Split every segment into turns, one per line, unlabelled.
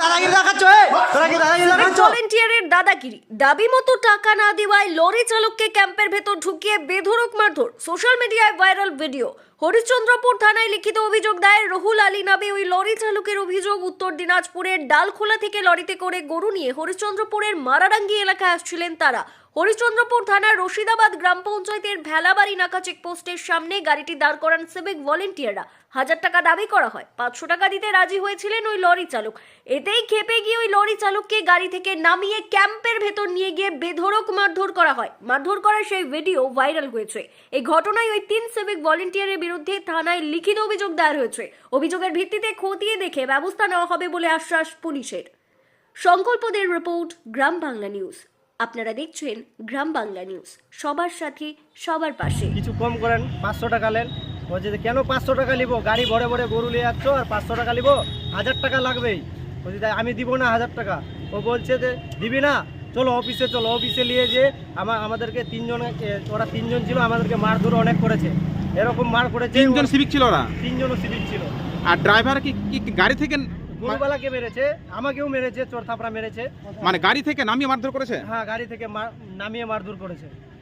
দাদাগিরি দেখাচ্ছ তোরা কি দাদাগিরি দেখাচ্ছ?
ভলেন্টিয়ারের দাদাগিরি, দাবি মতো টাকা না দেওয়ায় লরি চালককে ক্যাম্পের ভেতর ঢুকিয়ে বেধড়ক মারধর। সোশ্যাল মিডিয়ায় ভাইরাল ভিডিও। হরিশ্চন্দ্রপুর থানায় লিখিত অভিযোগ দায়ের রহুল আলী নামে ওই লরি চালকের অভিযোগ, উত্তর দিনাজপুরের ডালখোলা থেকে লরিতে করে গরু নিয়ে হরিশ্চন্দ্রপুরের মারাডাঙ্গি এলাকায় আসছিলেন তারা। হরিশ্চন্দ্রপুর থানার রশিদাবাদ গ্রাম পঞ্চায়েতের ভেলাবাড়ি নাকা চেকপোস্টের সামনে গাড়িটি দাঁড় করান সিভিক ভলেন্টিয়াররা। 1000 টাকা দাবি করা হয়, 500 টাকা দিতে রাজি হয়েছিলেন ওই লরি চালক। এতেই ক্ষেপে গিয়ে ওই লরি চালককে গাড়ি থেকে নামিয়ে ক্যাম্পের ভেতর নিয়ে গিয়ে বেধড়ক মারধর করা হয়। মারধর করার সেই ভিডিও ভাইরাল হয়েছে। এই ঘটনায় ওই 3 সিভিক ভলেন্টিয়ারের বিরুদ্ধে থানায় লিখিত অভিযোগ দায়ের হয়েছে। অভিযোগের ভিত্তিতে খতিয়ে দেখে ব্যবস্থা নেওয়া হবে বলে আশ্বাস পুলিশের। সংকল্পদের রিপোর্ট, গ্রাম বাংলা নিউজ। আপনারা দেখছেন গ্রাম বাংলা নিউজ, সবার সাথে সবার পাশে।
কিছু কম করেন, 500 টাকা নেন। বলছে যে কেন 500 টাকা নিবো, গাড়ি ভরে ভরে গরু নিয়ে যাচ্ছ আর 500 টাকা নিবো, 1000 টাকা লাগবেই। বলছি তাই আমি দিব না 1000 টাকা। ও বলছে যে দিবি না, চলো অফিসে চলো। অফিসে নিয়ে যে আমাদেরকে ওরা 3 জন ছিল, আমাদেরকে মারধর অনেক করেছে। এরকম মার করেছে।
3 জন সিভিক ছিল ওরা?
3 জনও সিভিক ছিল।
আর ড্রাইভার কি গাড়ি থেকে
গরুবালাকে মেরেছে, আমাকেও মেরেছে, চোর থাপড়া মেরেছে।
মানে গাড়ি থেকে নামিয়ে মারধর করেছে?
হ্যাঁ, গাড়ি থেকে নামিয়ে মারধর করেছে।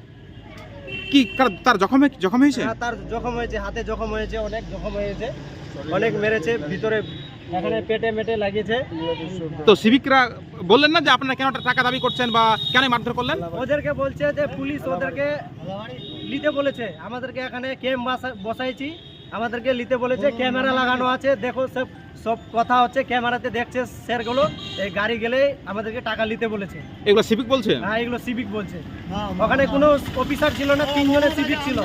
কি তার জখম হয়েছে?
হ্যাঁ, তার জখম হয়েছে, হাতে জখম হয়েছে, অনেক জখম হয়েছে, অনেক মেরেছে, ভিতরে এখানে পেটে মেটে লাগিয়েছে।
তো সিভিকরা বললেন না যে আপনারা কেন টাকা দাবি করছেন বা কেন মারধর করলেন?
ওদেরকে বলছে যে পুলিশ ওদেরকে নিতে বলেছে, আমাদেরকে এখানে ক্যাম্প বসাইছি, আমাদেরকে নিতে বলেছে, ক্যামেরা লাগানো আছে, দেখো সব কথা হচ্ছে ক্যামেরাতে দেখছে স্যারগুলো। এই গাড়ি গেলে আমাদেরকে টাকা নিতে বলেছে।
এগুলো সিভিক বলছে?
হ্যাঁ, এগুলো সিভিক বলছে। ওখানে কোনো অফিসার ছিল না, 3 জনের সিভিক ছিল।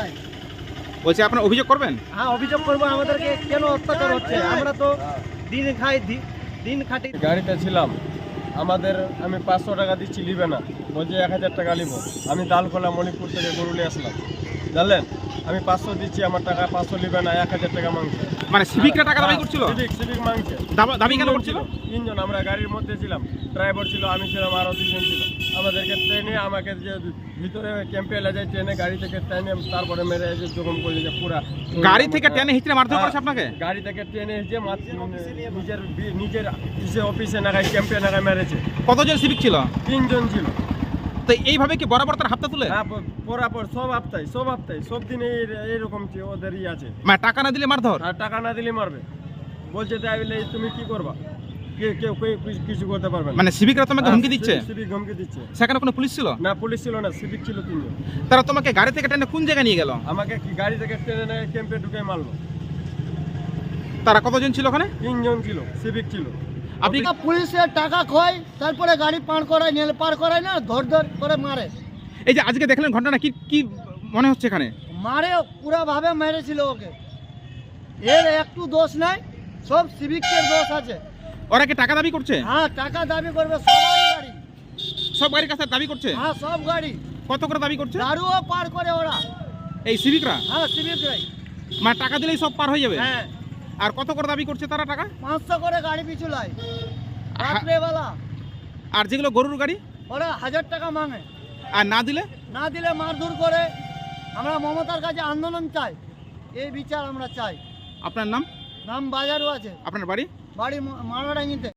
বলছে আপনারা অভিযোগ করবেন?
হ্যাঁ, অভিযোগ করবো। আমাদেরকে কেন অত্যাচার হচ্ছে? আমরা তো দিন খাই, দিন খাটি।
গাড়িতে ছিলাম, আমি 500 টাকা দিচ্ছি, নিবে না, বলছে 1000 টাকা নিব। আমি দালখোলা মণিপুর থেকে গরুলে আসলাম, জানলেন, আমি 500 দিচ্ছি, আমার টাকা 500 নিবে না, 1000 টাকা মাংসে।
মানে সিভিকরা টাকা দাবি করছিল?
সিভিক মাংসে।
দাবি কেন করছিল?
3 জন, আমরা গাড়ির মধ্যে ছিলাম, ড্রাইভার ছিল, আমি ছিলাম, আরও 2 জন ছিল। আমাদেরকে ট্রেনে, আমাকে যে ভিতরে ক্যাম্পে এলে যায়, ট্রেনে গাড়ি থেকে ট্রেনে তারপরে মেরে এসে জখম করে যে পুরা
গাড়ি থেকে টেনে হিচড়ে মারধর করেছে আপনাকে?
গাড়ি থেকে ট্রেনে এসে নিজের অফিসে নাগায়, ক্যাম্পে নাগায় মেরেছে।
কতজন সিভিক ছিল?
3 জন ছিল।
তো এইভাবে কি বরাবর তার হাতটা তুলে?
হ্যাঁ, পরাপর সব হপ্তায় সব দিনে এইরকম ওদেরই আছে।
মানে টাকা না দিলে মারধর?
আর টাকা না দিলে মারবে। বলছে তাই বলে তুমি কি করবা, কেউ কিছু করতে পারবে না।
মানে সিভিকরা তোমাকে হুমকি দিচ্ছে?
সিভিক হুমকি দিচ্ছে।
সেখানে কোনো পুলিশ ছিল
না? পুলিশ ছিল না, সিভিক ছিল 3 জন।
তারা তোমাকে গাড়ি থেকে টেনে কোন জায়গায় নিয়ে গেল?
আমাকে গাড়ি থেকে টেনে ক্যাম্পে ঢুকে মারলো।
তারা কতজন ছিল ওখানে?
3 জন ছিল, সিভিক ছিল।
আপনি
পুলিশের টাকা খয়, তারপরে গাড়ি পার করায় না, ধর করে মারে।
এই যে আজকে দেখলেন ঘটনা, কি মনে হচ্ছে এখানে?
মারে পুরা ভাবে মেরেছিল ওকে। এর একটু দোষ নাই, সব সিভিকের দোষ আছে।
ওরা কি টাকা দাবি করছে?
হ্যাঁ, টাকা দাবি করবে সবারই গাড়ি।
সব গাড়ির কাছে দাবি করছে?
হ্যাঁ, সব গাড়ি।
কত করে দাবি করছে?
দারুও পার করে ওরা।
এই সিভিকরা?
হ্যাঁ, সিভিকরাই।
মানে টাকা দিলেই সব পার হয়ে যাবে?
হ্যাঁ।
আর কত করে দাবি করছে তারা টাকা?
500 করে গাড়ি পিছু লাই রাত্রেবেলা।
আর যেগুলো গরুর গাড়ি?
ওরা 1000 টাকা মাঙে।
আর না দিলে
মারধর করে। আমরা মমতার কাছে আন্দোলন চাই, এই বিচার আমরা চাই।
আপনার নাম?
বাজারও আছে।
আপনার বাড়ি?
বাড়ি মারাডাঙ্গিতে।